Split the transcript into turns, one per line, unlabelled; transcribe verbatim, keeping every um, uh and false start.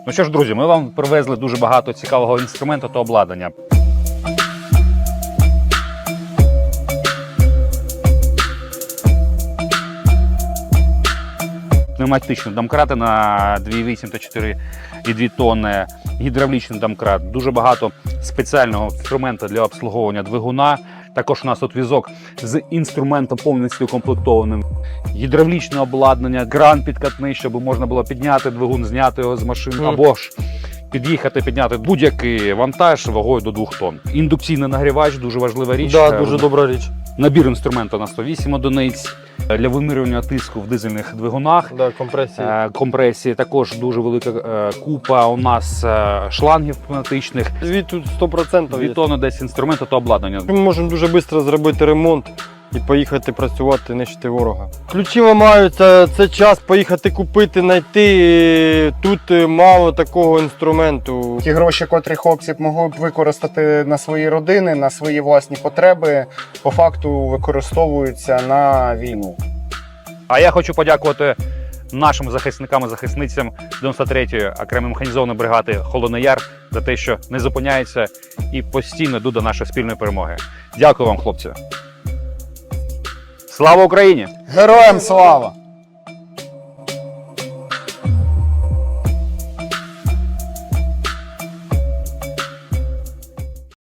Ну що ж, друзі, ми вам привезли дуже багато цікавого інструменту та обладнання. Пневматичні домкрати на дві вісім та чотири і дві тонни, гідравлічний домкрат, дуже багато спеціального інструменту для обслуговування двигуна. Також у нас тут візок з інструментом повністю укомплектованим. Гідравлічне обладнання, кран підкатний, щоб можна було підняти двигун, зняти його з машини, mm. або ж під'їхати, підняти будь-який вантаж вагою до двох тонн. Індукційний нагрівач, дуже важлива річ.
Так, да, дуже добра річ.
Набір інструменту на сто вісім одиниць. Для вимірювання тиску в дизельних двигунах.
Да, компресії.
Компресії. Також дуже велика купа у нас шлангів пневматичних.
Звідти тут сто відсотків
Дві тонни десь інструменту та обладнання.
Ми можемо дуже швидко зробити ремонт і поїхати працювати, нищити ворога. Ключі ламаються, це час поїхати купити, знайти. Тут мало такого інструменту.
Ті гроші, котрі хлопці б могли б використати на свої родини, на свої власні потреби, по факту використовуються на війну.
А я хочу подякувати нашим захисникам і захисницям дев'яносто третьої окремої механізованої бригади Холодний Яр за те, що не зупиняється і постійно йдуть до нашої спільної перемоги. Дякую вам, хлопці. Слава Україні!
Героям слава!